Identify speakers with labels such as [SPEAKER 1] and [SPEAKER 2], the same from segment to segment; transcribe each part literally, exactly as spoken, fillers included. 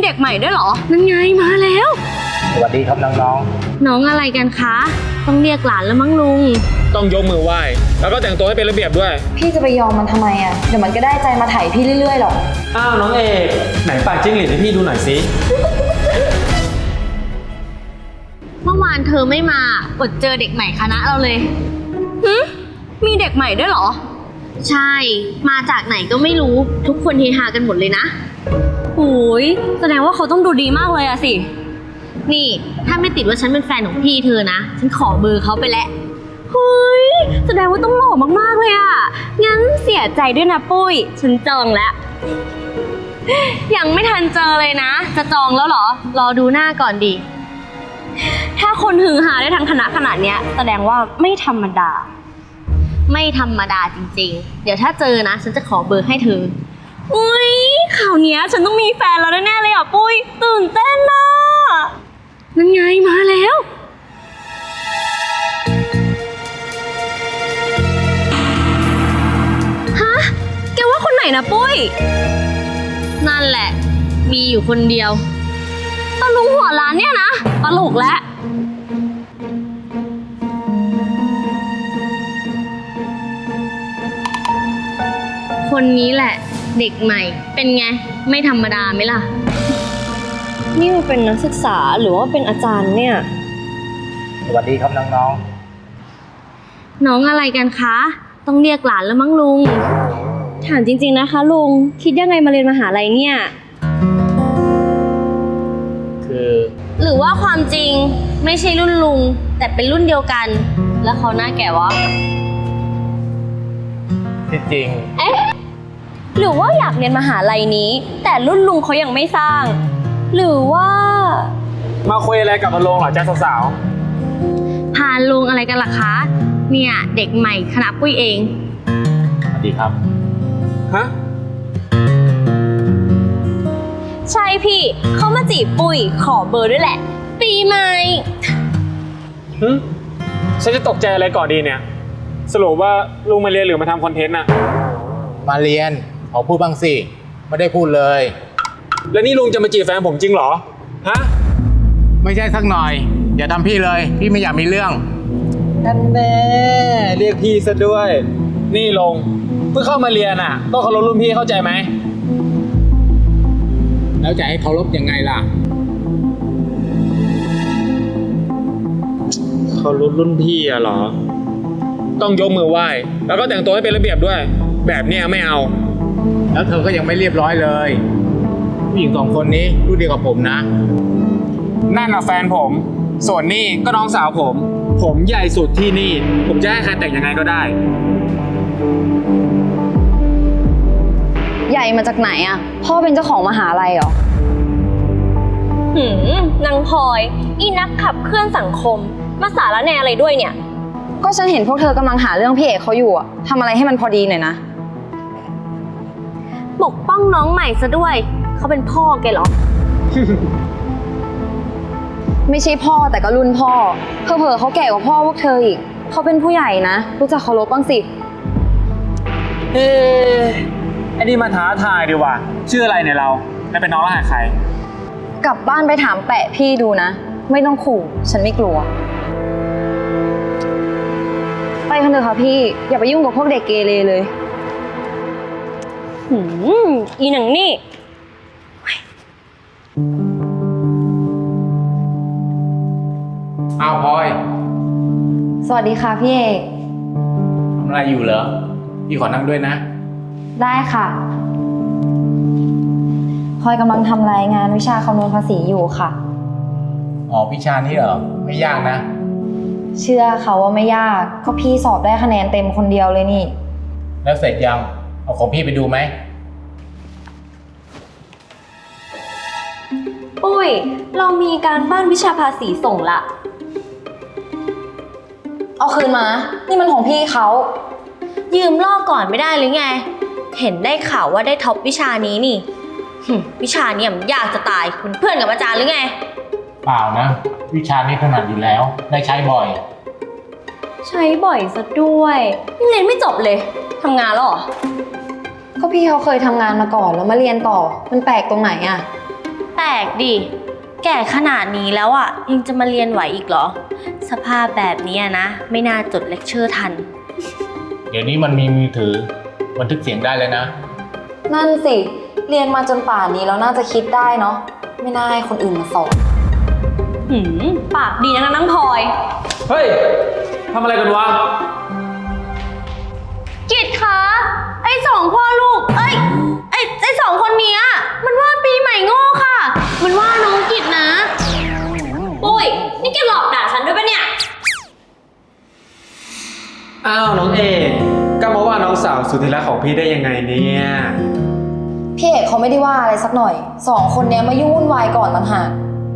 [SPEAKER 1] เด็กใหม่ด้วยเหรอนั่นไงมาแล้ว
[SPEAKER 2] สวัสดีครับน้อง
[SPEAKER 1] ๆน้องอะไรกันคะต้องเรียกหลานแล้วมั้งลุง
[SPEAKER 3] ต้องยกมือไหว้แล้วก็แต่งตัวให้เป็นระเบียบด้วย
[SPEAKER 4] พี่จะไปยอมมันทำไมอ่ะเดี๋ยวมันก็ได้ใจมาไถพี่เรื่อยๆหรอก
[SPEAKER 5] อ้าวน้องเอกไหนปากจิ้งหรีดให้พี่ดูหน่อยสิ
[SPEAKER 1] เมื่อวานเธอไม่มาอดเจอเด็กใหม่คณะเราเลยหึมีเด็กใหม่ด้วยเหรอใช่มาจากไหนก็ไม่รู้ทุกคนเฮฮากันหมดเลยนะโอ้ยแสดงว่าเขาต้องดูดีมากเลยอะสินี่ถ้าไม่ติดว่าฉันเป็นแฟนของพี่เธอนะฉันขอเบอร์เขาไปแล้วเฮ้ยแสดงว่าต้องหล่อมากๆเลยอะงั้นเสียใจด้วยนะปุ้ยฉันจองแล้วยังไม่ทันเจอเลยนะจะจองแล้วเหรอรอดูหน้าก่อนดิถ้าคนฮือฮาได้ทั้งคณะขนาดเนี้ยแสดงว่าไม่ธรรมดาไม่ธรรมดาจริงๆเดี๋ยวถ้าเจอนะฉันจะขอเบอร์ให้เธออุ้ยข่าวเนี้ยฉันต้องมีแฟนแล้วแน่ๆเลยอ่ะปุ้ยตื่นเต้นนะนั่นไงมาแล้วฮะแกว่าคนไหนนะปุ้ยนั่นแหละมีอยู่คนเดียวตะลุงหัวร้านเนี่ยนะตลกแล้วคนนี้แหละเด็กใหม่เป็นไงไม่ธรรมดาไหมล่ะนี่มันเป็นนักศึกษาหรือว่าเป็นอาจารย์เนี่ย
[SPEAKER 2] สวัสดีครับน้อง
[SPEAKER 1] น้องน้องอะไรกันคะต้องเรียกหลานแล้วมั้งลุงถามจริงๆนะคะลุงคิดยังไงมาเรียนมหาลัยเนี่ย
[SPEAKER 2] คือ
[SPEAKER 1] หรือว่าความจริงไม่ใช่รุ่นลุงแต่เป็นรุ่นเดียวกันแล้วเขาหน้าแก่วะ
[SPEAKER 2] ที่จริง
[SPEAKER 1] เอ๊ะหรือว่าอยากเรียนมหาลัยนี้แต่รุ่นลุงเขายังไม่สร้างหรือว่า
[SPEAKER 3] มาคุยอะไรกับลุงเหรอจ๊ะสาว
[SPEAKER 1] พาลุงอะไรกันล่ะคะเนี่ยเด็กใหม่คณะปุ้ยเอง
[SPEAKER 2] สวัสดีครับ
[SPEAKER 3] ฮะ
[SPEAKER 1] ใช่พี่เขามาจีบปุ้ยขอเบอร์ด้วยแหละปีใหม่
[SPEAKER 3] ฮึฉันจะตกใจอะไรก่อนดีเนี่ยสรุปว่าลุงมาเรียนหรือมาทำคอนเทนต์น่ะ
[SPEAKER 2] มาเรียนขอพูดบ้างสิไม่ได้พูดเลย
[SPEAKER 3] แล้วนี่ลุงจะมาจีบแฟนผมจริงเหรอฮะ
[SPEAKER 2] ไม่ใช่สักหน่อยอย่าทำพี่เลยพี่ไม่อยากมีเรื่อง
[SPEAKER 3] นั่นแน่เรียกพี่ซะด้วยนี่ลุงเพิ่งเข้ามาเรียนอ่ะต้องเคารพรุ่นพี่เข้าใจไหม
[SPEAKER 2] แล้วจะให้เคารพยังไงล่ะ
[SPEAKER 3] เคารพรุ่นพี่อะเหรอต้องยกมือไหว้แล้วก็แต่งตัวให้เป็นระเบียบด้วยแบบเนี้ยไม่เอา
[SPEAKER 2] แล้วเธอก็ยังไม่เรียบร้อยเลยผู้หญิงสองคนนี้รุ่นเดียวกับผมนะ
[SPEAKER 3] นั่นน่ะแฟนผมส่วนนี่ก็น้องสาวผมผมใหญ่สุดที่นี่ผมจะให้ใครแต่งยังไงก็ได้
[SPEAKER 4] ใหญ่มาจากไหนอ่ะพ่อเป็นเจ้าของมหาลัยเหรอ
[SPEAKER 1] หืมนางพลอยอีนักขับเคลื่อนสังคมมาสาระแนอะไรด้วยเนี่ย
[SPEAKER 4] ก็ฉันเห็นพวกเธอกำลังหาเรื่องพี่เอกเขาอยู่อ่ะทำอะไรให้มันพอดีหน่อยนะ
[SPEAKER 1] ปกป้องน้องใหม่ซะด้วยเขาเป็นพ่อแกเหรอ
[SPEAKER 4] ไม่ใช่พ่อแต่ก็รุ่นพ่อเผลอๆเขาแก่กว่าพ่อพวกเธออีกเขาเป็นผู้ใหญ่นะรู้จักเคารพบ้างสิ
[SPEAKER 3] เอ๊ะไอ้นี่มาท้าทายดีว่ะชื่ออะไรเนี่ยเราแล้วเป็นน้องรหัสใคร
[SPEAKER 4] กลับบ้านไปถามแปะพี่ดูนะไม่ต้องขู่ฉันไม่กลัวไปกันเถอะค่ะพี่อย่าไปยุ่งกับพวกเด็กเกเรเลย
[SPEAKER 1] หืมอีหนังนี่
[SPEAKER 2] อ้าวพลอย
[SPEAKER 4] สวัสดีค่ะพี่เอก
[SPEAKER 2] ทำอะไรอยู่เหรอพี่ขอนั่งด้วยนะ
[SPEAKER 4] ได้ค่ะพลอยกำลังทำรายงานวิชาคำนวณภาษีอยู่ค่ะ
[SPEAKER 2] อ๋อวิชานี้เหรอไม่ยากนะ
[SPEAKER 4] เชื่อเขาว่าไม่ยากก็พี่สอบได้คะแนนเต็มคนเดียวเลยนี่
[SPEAKER 2] แล้วเสร็จยังเอาของพี่ไปดูไหม
[SPEAKER 1] ปุ้ยเรามีการบ้านวิชาภาษีส่งละ
[SPEAKER 4] เอาคืนมานี่มันของพี่เขา
[SPEAKER 1] ยืมลอกก่อนไม่ได้หรือไงเห็นได้ข่าวว่าได้ท็อปวิชานี้นี่วิชานี้มันยากจะตายคุณเพื่อนกับอาจารย์หรือไง
[SPEAKER 2] เปล่านะวิชานี้ถนัดอยู่แล้วได้ใช้บ่อย
[SPEAKER 1] ใช้บ่อยซะด้วยยังเรียนไม่จบเลยทำงานแล้วเหรอ
[SPEAKER 4] ก็พี่เขาเคยทำงานมาก่อนแล้วมาเรียนต่อมันแปลกตรงไหนอ่ะ
[SPEAKER 1] แปลกดิ แก่ขนาดนี้แล้วอ่ะยังจะมาเรียนไหวอีกเหรอ สภาพแบบนี้นะ ไม่น่าจดเลคเชอร์ทัน
[SPEAKER 2] เดี๋ยวนี้มันมีมือถือบันทึกเสียงได้เลยนะ
[SPEAKER 4] นั่นสิ เรียนมาจนป่านนี้แล้วน่าจะคิดได้เนาะ ไม่น่าให้คนอื่นมาสอน
[SPEAKER 1] หืม ปากดีนะนังพลอย
[SPEAKER 5] เฮ้ย ทำอะไรกันวะ
[SPEAKER 1] กิจคะไอ้สองพ่อลูก เอ้ย ไอ้ไอ้สองคนเนี้ยมันว่าปีใหม่โง่ค่ะ มันว่าน้องกิจนะ ปุ้ย นี่แกหลอกด่าฉันด้วยปะเนี่ย
[SPEAKER 5] อ้าวน้องเอกก็มาว่าน้องสาวสุดที่รักของพี่ได้ยังไงเนี่ย
[SPEAKER 4] พี่เอกเขาไม่ได้ว่าอะไรสักหน่อย สองคนเนี้ยมายุ่งวุ่นวายก่อนต่างหาก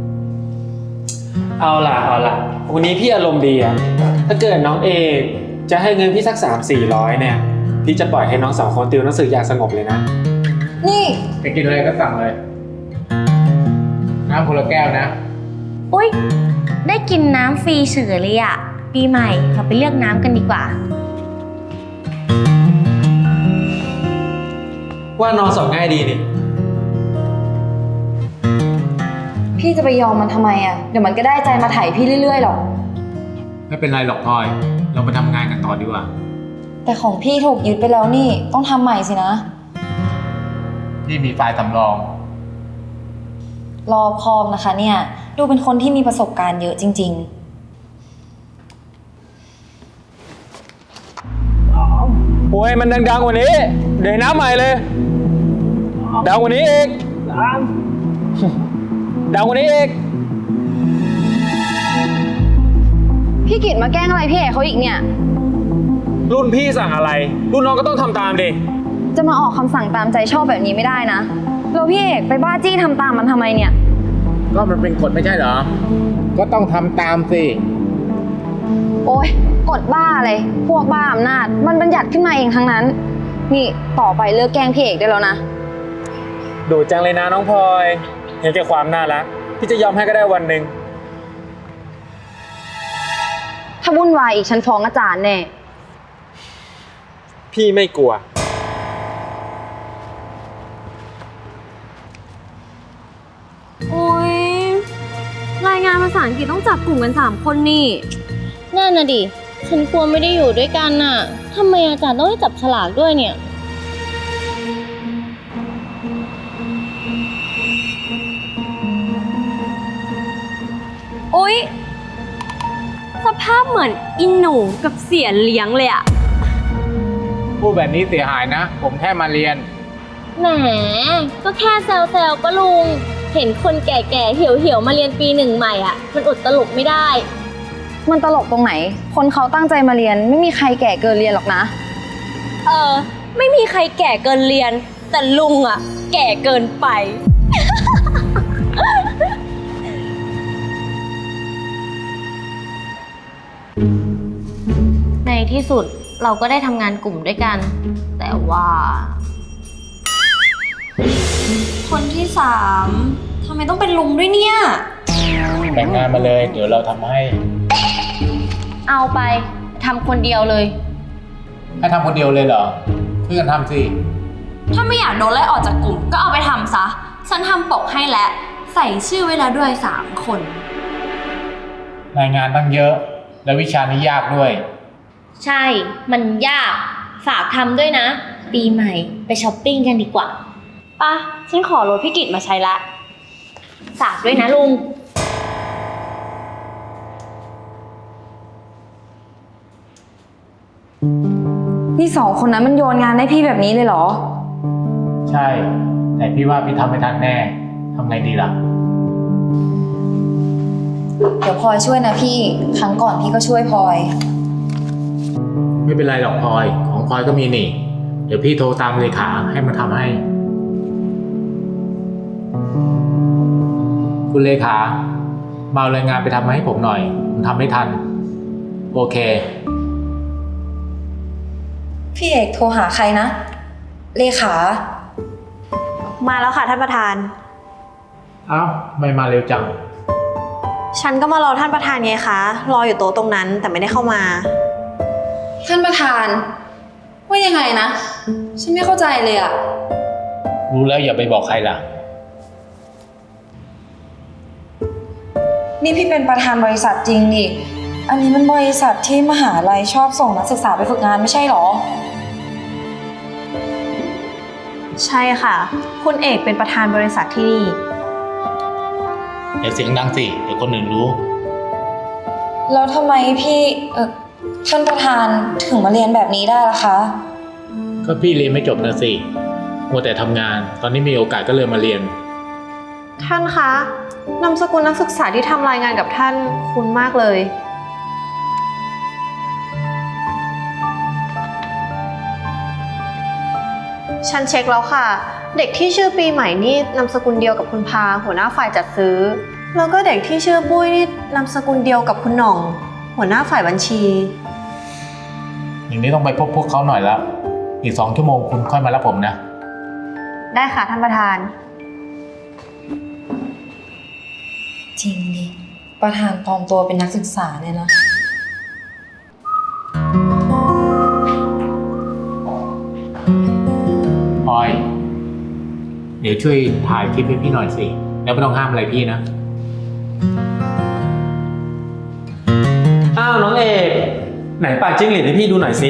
[SPEAKER 5] เอาล่ะเอาล่ะวันนี้พี่อารมณ์ดีอะถ้าเกิดน้องเอกจะให้เงินพี่สักสามสี่ร้อยเนี่ย พี่จะปล่อยให้น้องสองคนติวหนังสืออย่างสงบเลยนะ
[SPEAKER 4] นี่
[SPEAKER 2] จะกินอะไรก็สั่งเลย น้ำคนละแก้วนะ
[SPEAKER 1] อุ๊ย ได้กินน้ำฟรีเฉยเลยอะปีใหม่เราไปเลือกน้ำกันดีกว่า
[SPEAKER 5] ว่าน้องสอบง่ายดีนี่
[SPEAKER 4] พี่จะไปยอมมันทำไมอะเดี๋ยวมันก็ได้ใจมาไถ่พี่เรื่อยๆหรอก
[SPEAKER 2] ไม่เป็นไรหรอกพลอย เราไปทำงานกันต่อดีกว่า
[SPEAKER 4] แต่ของพี่ถูกยึดไปแล้วนี่ ต้องทำใหม่สินะ
[SPEAKER 2] ที่มีไฟล์สำรอง
[SPEAKER 4] รอบคอบนะคะเนี่ย ดูเป็นคนที่มีประสบการณ์เยอะจริง
[SPEAKER 3] โอ้ยมันดังๆกว่านี้ เดี๋ยวน้ำใหม่เลย ดังกว่านี้อีกดังกว่านี้อีก
[SPEAKER 4] ๆ พี่กิตมาแกล้งอะไรพี่เอกเขาอีกเนี่ย
[SPEAKER 3] รุ่นพี่สั่งอะไร รุ่นน้องก็ต้องทำตามดิ
[SPEAKER 4] จะมาออกคำสั่งตามใจชอบแบบนี้ไม่ได้นะแล้วพี่เอกไปบ้าจี้ทำตามมันทำไมเนี่ย
[SPEAKER 2] ก็มันเป็นกฎไม่ใช่เหรอ ก็ต้องทำตามสิ
[SPEAKER 4] โอ๊ยกดบ้าเลยพวกบ้าอำนาจมันบัญญัติขึ้นมาเองทั้งนั้น นี่ต่อไปเลิกแกล้งพี่เอกได้แล้วนะ
[SPEAKER 3] ดูจังเลยนะน้องพลอย เห็นแก่ความน่ารักพี่จะยอมให้ก็ได้วันหนึ่ง
[SPEAKER 4] ถ้าวุ่นวายอีกฉันฟ้องอาจารย์แน่
[SPEAKER 3] พี่ไม่กลัว
[SPEAKER 1] โอ๊ย รายงานภาษาอังกฤษต้องจับกลุ่มกันสามคนนี่นั่นน่ะดิ ฉันกลัวไม่ได้อยู่ด้วยกันน่ะทำไมอาจารย์ต้องให้จับฉลากด้วยเนี่ย โอ๊ย สภาพเหมือนอินหนูกับเสียเลี้ยงเลยอะ
[SPEAKER 2] พูดแบบนี้เสียหายนะ ผมแค่มาเรียน
[SPEAKER 1] แหม ก็แค่แซวๆก็ลุง เห็นคนแก่ๆ เหี่ยวๆ มาเรียนปีหนึ่งใหม่อ่ะ มันอดตลกไม่ได้
[SPEAKER 4] มันตลกตรงไหน คนเขาตั้งใจมาเรียนไม่มีใครแก่เกินเรียนหรอกนะ
[SPEAKER 1] เออ ไม่มีใครแก่เกินเรียน แต่ลุงอ่ะ แก่เกินไป ในที่สุดเราก็ได้ทำงานกลุ่มด้วยกัน แต่ว่า คนที่สามทำไมต้องเป็นลุงด้วยเนี่ย
[SPEAKER 2] แต่งงานมาเลย เดี๋ยวเราทำให้
[SPEAKER 1] เอาไปทำคนเดียวเลย
[SPEAKER 2] ให้ทำคนเดียวเลยเหรอช่วยกันทำสิ
[SPEAKER 1] ถ้าไม่อยากโดนไล่ออกจากกลุ่มก็เอาไปทำซะ ฉันทำปกให้แล้ว ใส่ชื่อไว้แล้วด้วยสามคน
[SPEAKER 2] รายงานตั้งเยอะ และวิชานี้ยากด้วย
[SPEAKER 1] ใช่ มันยาก ฝากทำด้วยนะ ปีใหม่ไปช้อปปิ้งกันดีกว่าป่ะ ฉันขอรถพี่กิตมาใช้ละ ฝากด้วยนะลุง
[SPEAKER 4] นี่สองคนนั้นมันโยนงานให้พี่แบบนี้เลยเหรอ
[SPEAKER 2] ใช่ แต่พี่ว่าพี่ทำไม่ทันแน่ทำไงดีล่ะ
[SPEAKER 4] เดี๋ยวพลอยช่วยนะพี่ ครั้งก่อนพี่ก็ช่วยพลอย
[SPEAKER 2] ไม่เป็นไรหรอกพลอย ของพลอยก็มีนี่ เดี๋ยวพี่โทรตามเลขาให้มาทำให้ คุณเลขามาเอารายงานไปทำมาให้ผมหน่อย ผมทำไม่ทัน โอเค
[SPEAKER 4] พี่เอกโทรหาใครนะ เลขา
[SPEAKER 6] มาแล้วค่ะท่านประธาน
[SPEAKER 2] เอ้าไม่มาเร็วจัง
[SPEAKER 6] ฉันก็มารอท่านประธานไงคะ รออยู่โต๊ะตรงนั้นแต่ไม่ได้เข้ามา
[SPEAKER 4] ท่านประธาน ว่ายังไงนะ ฉันไม่เข้าใจเลยอะ
[SPEAKER 2] รู้แล้วอย่าไปบอกใครล่ะ
[SPEAKER 4] นี่พี่เป็นประธานบริษัทจริงดิอันนี้มันบริษัทที่มหาลัยชอบส่งนักศึกษาไปฝึกงานไม่ใช่หรอ
[SPEAKER 6] ใช่ค่ะ คุณเอกเป็นประธานบริษัทที่นี่
[SPEAKER 2] อย่าเสียงดังสิ เดี๋ยวคนอื่นรู้
[SPEAKER 4] แล้วทำไมพี่เออท่านประธานถึงมาเรียนแบบนี้ได้ล่ะคะ
[SPEAKER 2] ก็พี่เรียนไม่จบนะสิมัวแต่ทำงาน ตอนนี้มีโอกาสก็เลยมาเรียน
[SPEAKER 6] ท่านคะนามสกุลนักศึกษาที่ทำรายงานกับท่านคุ้นมากเลย ฉันเช็คแล้วค่ะ เด็กที่ชื่อปีใหม่นี่นามสกุลเดียวกับคุณพาหัวหน้าฝ่ายจัดซื้อ แล้วก็เด็กที่ชื่อปุ้ยนี่นามสกุลเดียวกับคุณหน่อง หัวหน้าฝ่ายบัญชี
[SPEAKER 2] อย่างนี้ต้องไปพบพวกเขาหน่อยแล้ว อีกสองชั่วโมงคุณค่อยมารับผมนะ
[SPEAKER 6] ได้ค่ะท่านประธาน
[SPEAKER 4] จริงดิ ประธานปลอมตัวเป็นนักศึกษาเนี่ยนะ
[SPEAKER 2] พลอย เดี๋ยวช่วยถ่ายคลิปให้พี่หน่อยสิ แล้วไม่ต้องห้ามอะไรพี่นะ
[SPEAKER 5] อ้าวน้องเอก ไหนปากจิ้งหรีดให้พี่ดูหน่อยสิ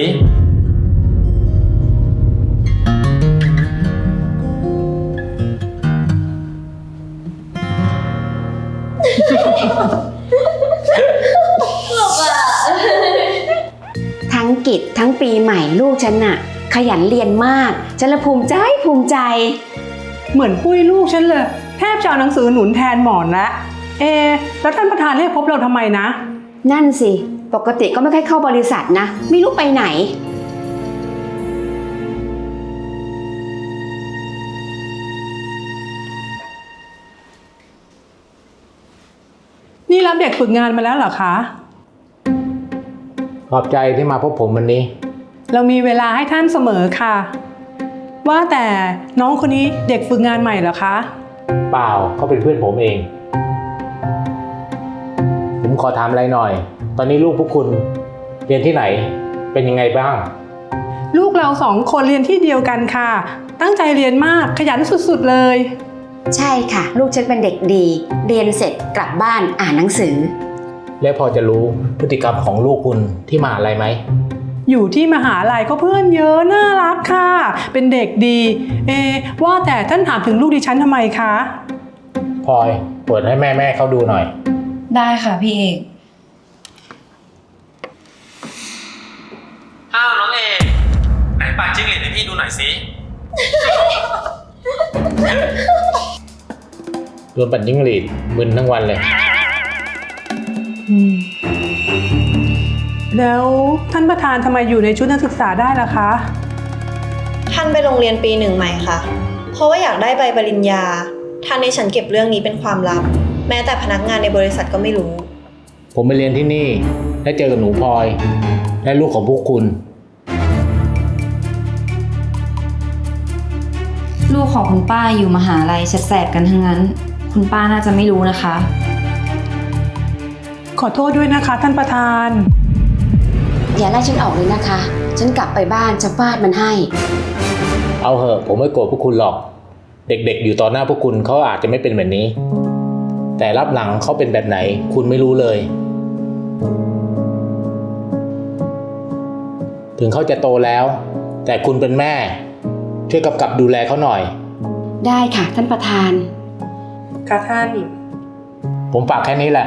[SPEAKER 7] ทั้งกิจทั้งปีใหม่ลูกฉันน่ะ ขยันเรียนมากฉันละภูมิใจภูมิใจ
[SPEAKER 8] เหมือนปุ้ยลูกฉันเลยแทบจะเอาหนังสือหนุนแทนหมอนละเอะแล้วท่านประธานเรียกพบเราทำไมนะ
[SPEAKER 7] นั่นสิปกติก็ไม่ค่อยเข้าบริษัทนะไม่รู้ไปไหน
[SPEAKER 8] นี่รับเด็กฝึกงานมาแล้วเหรอคะ
[SPEAKER 2] ขอบใจที่มาพบผมวันนี้
[SPEAKER 8] เรามีเวลาให้ท่านเสมอค่ะ ว่าแต่น้องคนนี้เด็กฝึกงานใหม่เหรอคะ
[SPEAKER 2] เปล่าเขาเป็นเพื่อนผมเอง ผมขอถามอะไรหน่อย ตอนนี้ลูกพวกคุณเรียนที่ไหน เป็นยังไงบ้าง
[SPEAKER 8] ลูกเราสองคนเรียนที่เดียวกันค่ะ ตั้งใจเรียนมากขยันสุดๆเลย
[SPEAKER 7] ใช่ค่ะ ลูกฉันเป็นเด็กดี เรียนเสร็จกลับบ้านอ่านหนังสือ
[SPEAKER 2] และพอจะรู้พฤติกรรมของลูกคุณที่มหาลัยไหม
[SPEAKER 8] อยู่ที่มหาลัยก็เพื่อนเยอะน่ารักค่ะ เป็นเด็กดี เอะว่าแต่ท่านถามถึงลูกดิฉันทำไมคะ
[SPEAKER 2] พลอยเปิดให้แม่แม่เขาดูหน่อย
[SPEAKER 4] ได้ค่ะพี่เอก
[SPEAKER 5] อ้าวน้องเอก ไหนปากจิ้งหรีดให้พี่ดูหน่อยสิ
[SPEAKER 2] โดนปั่นจิ้งหรีดมึนทั้งวันเลย
[SPEAKER 8] อืมแล้วท่านประธานทำไมอยู่ในชุดนักศึกษาได้ล่ะคะ
[SPEAKER 6] ท่านไปโรงเรียนปีหนึ่งใหม่ค่ะ เพราะว่าอยากได้ใบปริญญา ท่านให้ฉันเก็บเรื่องนี้เป็นความลับ แม้แต่พนักงานในบริษัทก็ไม่รู้
[SPEAKER 2] ผมไปเรียนที่นี่และเจอกับหนูพลอย และลูกของพวกคุณ
[SPEAKER 4] ลูกของคุณป้าอยู่มหาลัยแสบๆกันทั้งนั้น คุณป้าน่าจะไม่รู้นะคะ
[SPEAKER 8] ขอโทษด้วยนะคะท่านประธาน
[SPEAKER 7] อย่าไล่ฉันออกเลยนะคะ ฉันกลับไปบ้านจะฟาดมันให้
[SPEAKER 2] เอาเหอะผมไม่โกรธพวกคุณหรอก เด็กๆอยู่ต่อหน้าพวกคุณเขาอาจจะไม่เป็นแบบนี้ แต่รับหลังเขาเป็นแบบไหน คุณไม่รู้เลย ถึงเขาจะโตแล้ว แต่คุณเป็นแม่ ช่วยกำกับดูแลเขาหน่อย
[SPEAKER 7] ได้ค่ะท่านประธาน
[SPEAKER 8] ค่ะท่าน
[SPEAKER 2] ผมฝากแค่นี้แหละ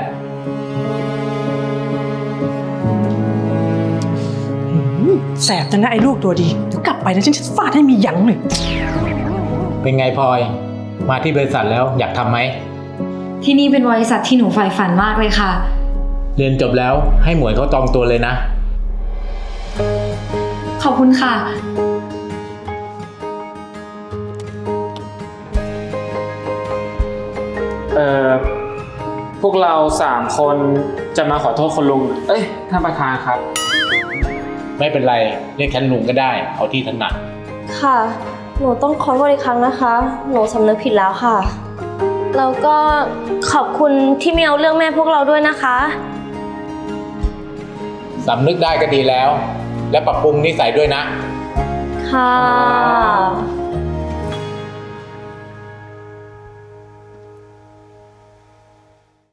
[SPEAKER 8] แสบจังนะไอ้ลูกตัวดีเดี๋ยวกลับไปนะฉันจะฟาดให้มีหยังเลย
[SPEAKER 2] เป็นไงพลอย มาที่บริษัทแล้วอยากทำไหม
[SPEAKER 4] ที่นี่เป็นบริษัทที่หนูใฝ่ฝันมากเลยค่ะ
[SPEAKER 2] เรียนจบแล้วให้หมวยเขาจองตัวเลยนะ
[SPEAKER 4] ขอบคุณค่ะ
[SPEAKER 5] เอ่อ พวกเราสามคนจะมาขอโทษคุณลุง เอ้ย ท่านประธานครับ
[SPEAKER 2] ไม่เป็นไรเรียกฉันลุงก็ได้ เอาที่ถนัด
[SPEAKER 9] ค่ะ หนูต้องขอโทษอีกครั้งนะคะ หนูสำนึกผิดแล้วค่ะ แล้วก็ขอบคุณที่ไม่เอาเรื่องแม่พวกเราด้วยนะคะ
[SPEAKER 2] สำนึกได้ก็ดีแล้ว และปรับปรุงนิสัยด้วยนะ
[SPEAKER 9] ค่ะ